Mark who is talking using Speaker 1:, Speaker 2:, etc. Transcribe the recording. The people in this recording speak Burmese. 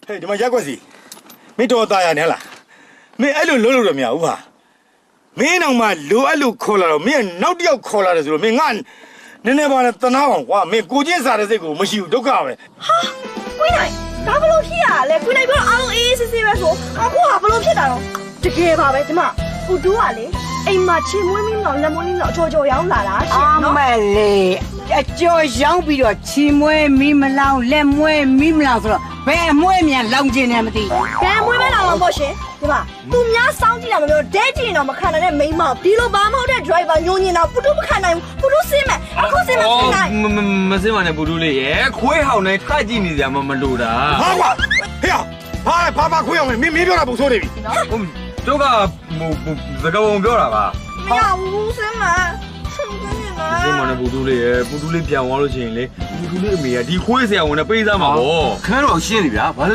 Speaker 1: ဟဲ့ဒီမှာရက်ွက်စီမင်းတော်သားရနေလားမင်းအဲ့လိုလုံးလို့တော့မရဘူးဟာမင်းအောင်မှလိုအဲ့လိုခေါ်လာတော့မင်းနောက်တစ်ယောက်ခေါ်လာတယ်ဆိုတော့မင်းငါနည်းနည်းပါနဲ့တနာအောင်ကွာမင်းကိုချင်းစားတဲ့စိတ်ကိုမရှိဘူးဒုက္ခပဲ
Speaker 2: ဟာကိုနိုင်ဒါဘလို့ဖြစ်ရလဲကိုနိုင်ပြောအောင်အေးစစ်စစ်ပဲဆိုအခုဟာဘလို့ဖြစ်တာတော့တကယ်ပါပဲဒီမှာပူတူးကလေအိမ်မှာချီမွေးမင်းတော့လက်မွေးမင်းတော့အချော်ချော်ရောင်းလာတာရှင်နော်
Speaker 3: အမလေးအကျော်ရောင်းပြီးတော့ချီမွဲမီးမလောင်လက်မွဲမီးမလောင်ဆိုတော့ဘယ်မွဲမြန်လောင်ကျင်နေမသိ
Speaker 2: ဘယ်မွေးမဲလာမှာပေါ့ရှင်ဒီမှာသူများစောင်းကြည့်တာမပြောဒဲကြည့်ရင်တော့မခံနိုင်တဲ့မိန်းမဒီလိုဘာမဟုတ်တဲ့ driver ညိုညင်တော့ပူတူးမခံနိုင်ဘူးပူတူးစင်းမယ်အခုစင်းမစင်းနိုင်
Speaker 4: မစင်းပါနဲ့ဘူတူးလေးရယ်ခွေးဟောင်းနဲ့ထကြည့်နေကြမှာမလို့တာ
Speaker 1: ဟာကွာဟေ့ဘာခွေးအောင်မင်းပြောတာပုံဆိုးနေပြီ
Speaker 4: ဟုတ်တို့ကစကားပုံပြောတာပါ
Speaker 2: မရဘူးစင်းမယ်စင်းမ
Speaker 4: စင်းပါနဲ့ဘူတူးလေးရယ်ဘူတူးလေးပြန်သွားလို့ရှိရင်လေဘူတူးလေးအမေကဒီခွေးဆရာဝန်နဲ့ပေးစားမှာပေါ့
Speaker 5: ခန်းတော့ရှင်းပြီဗျာဘာ